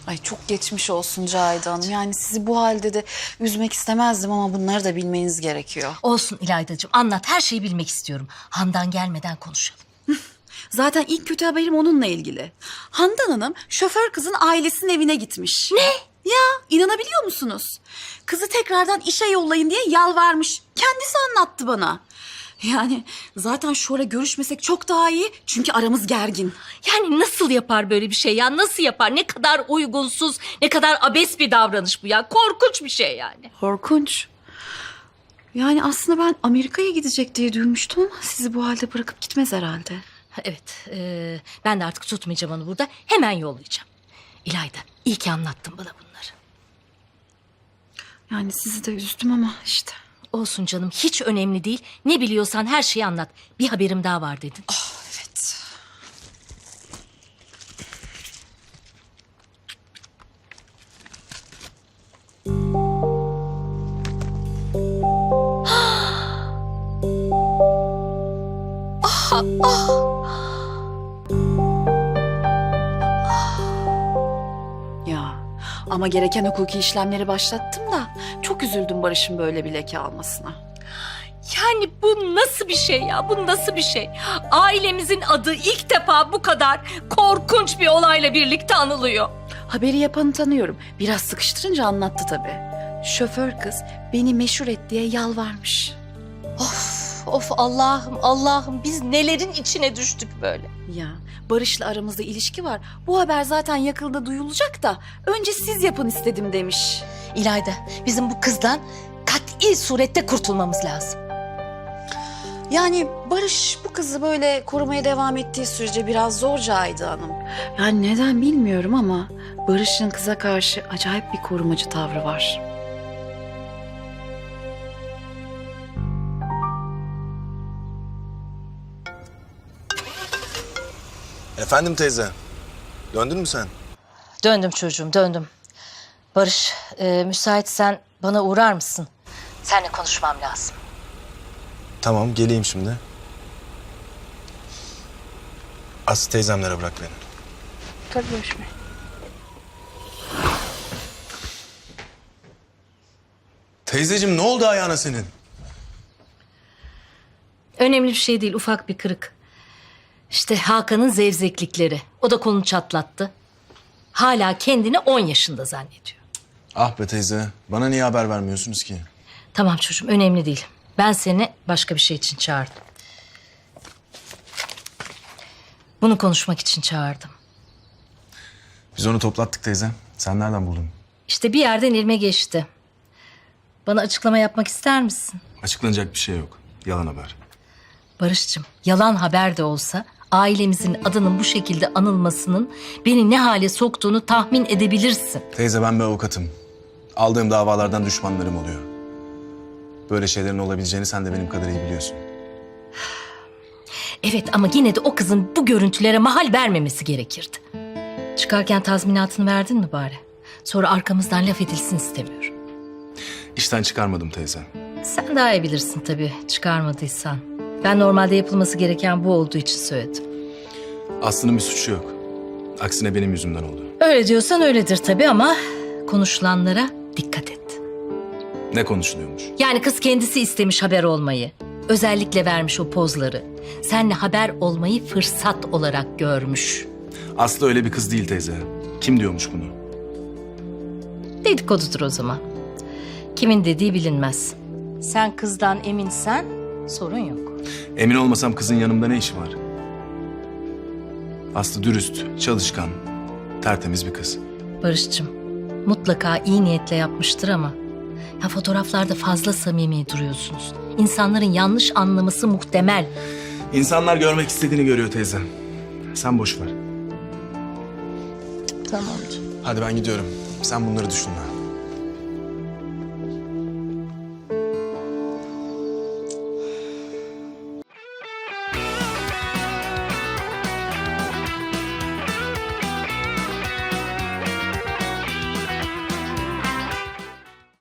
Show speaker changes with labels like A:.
A: Ay çok geçmiş olsun Cahide Hanım. Yani sizi bu halde de üzmek istemezdim ama bunları da bilmeniz gerekiyor.
B: Olsun İlaydacığım, anlat, her şeyi bilmek istiyorum. Handan gelmeden konuşalım.
A: Zaten ilk kötü haberim onunla ilgili. Handan Hanım şoför kızın ailesinin evine gitmiş.
B: Ne?
A: Ya inanabiliyor musunuz? Kızı tekrardan işe yollayın diye yalvarmış. Kendisi anlattı bana. Yani zaten şu ara görüşmesek çok daha iyi çünkü aramız gergin.
B: Yani nasıl yapar böyle bir şey ya? Nasıl yapar? Ne kadar uygunsuz, ne kadar abes bir davranış bu ya. Korkunç bir şey yani.
A: Korkunç. Yani aslında ben Amerika'ya gidecek diye duymuştum ama sizi bu halde bırakıp gitmez herhalde.
B: Evet, ben de artık tutmayacağım onu burada. Hemen yollayacağım. İlayda, iyi ki anlattın bana bunları.
A: Yani sizi de üzdüm ama işte.
B: Olsun canım, hiç önemli değil. Ne biliyorsan her şeyi anlat. Bir haberim daha var dedin.
A: Evet. Ya ama gereken hukuki işlemleri başlattım da çok üzüldüm Barış'ın böyle bir leke almasına.
B: Yani bu nasıl bir şey ya? Bu nasıl bir şey? Ailemizin adı ilk defa bu kadar korkunç bir olayla birlikte anılıyor.
A: Haberi yapanı tanıyorum. Biraz sıkıştırınca anlattı tabii. Şoför kız beni meşhur et diye yalvarmış.
B: Of Allah'ım Allah'ım, biz nelerin içine düştük böyle.
A: Ya Barış'la aramızda ilişki var. Bu haber zaten yakında duyulacak da önce siz yapın istedim demiş.
B: İlayda, bizim bu kızdan kat'i surette kurtulmamız lazım.
A: Yani Barış bu kızı böyle korumaya devam ettiği sürece biraz zor Cahide Hanım. Yani neden bilmiyorum ama Barış'ın kıza karşı acayip bir korumacı tavrı var.
C: Efendim teyze, döndün mü sen?
B: Döndüm çocuğum, döndüm. Barış, müsaitsen bana uğrar mısın? Seninle konuşmam lazım.
C: Tamam, geleyim şimdi. Aslı teyzemlere bırak beni.
A: Tabii Barış Bey.
C: Teyzeciğim ne oldu ayağına senin?
B: Önemli bir şey değil, ufak bir kırık. İşte Hakan'ın zevzeklikleri. O da kolunu çatlattı. Hala kendini 10 yaşında zannediyor.
C: Ah be teyze, bana niye haber vermiyorsunuz ki?
B: Tamam çocuğum, önemli değil. Ben seni başka bir şey için çağırdım. Bunu konuşmak için çağırdım.
C: Biz onu toplattık teyze. Sen nereden buldun?
B: İşte bir yerden ilme geçti. Bana açıklama yapmak ister misin?
C: Açıklanacak bir şey yok. Yalan haber.
B: Barış'cığım, yalan haber de olsa ailemizin adının bu şekilde anılmasının beni ne hale soktuğunu tahmin edebilirsin.
C: Teyze ben bir avukatım. Aldığım davalardan düşmanlarım oluyor. Böyle şeylerin olabileceğini sen de benim kadar iyi biliyorsun.
B: Evet ama yine de o kızın bu görüntülere mahal vermemesi gerekirdi. Çıkarken tazminatını verdin mi bari? Sonra arkamızdan laf edilsin istemiyorum.
C: İşten çıkarmadım teyze.
B: Sen daha iyi bilirsin tabii çıkarmadıysan. Ben normalde yapılması gereken bu olduğu için söyledim.
C: Aslı'nın bir suçu yok. Aksine benim yüzümden oldu.
B: Öyle diyorsan öyledir tabii ama konuşulanlara dikkat et.
C: Ne konuşuluyormuş?
B: Yani kız kendisi istemiş haber olmayı. Özellikle vermiş o pozları. Seninle haber olmayı fırsat olarak görmüş.
C: Aslı öyle bir kız değil teyze. Kim diyormuş bunu?
B: Dedikodudur o zaman. Kimin dediği bilinmez. Sen kızdan eminsen sorun yok.
C: Emin olmasam kızın yanımda ne işi var? Aslı dürüst, çalışkan, tertemiz bir kız.
B: Barış'cığım mutlaka iyi niyetle yapmıştır ama ya fotoğraflarda fazla samimi duruyorsunuz. İnsanların yanlış anlaması muhtemel.
C: İnsanlar görmek istediğini görüyor teyze. Sen boş ver.
B: Tamamdır.
C: Hadi ben gidiyorum. Sen bunları düşünme.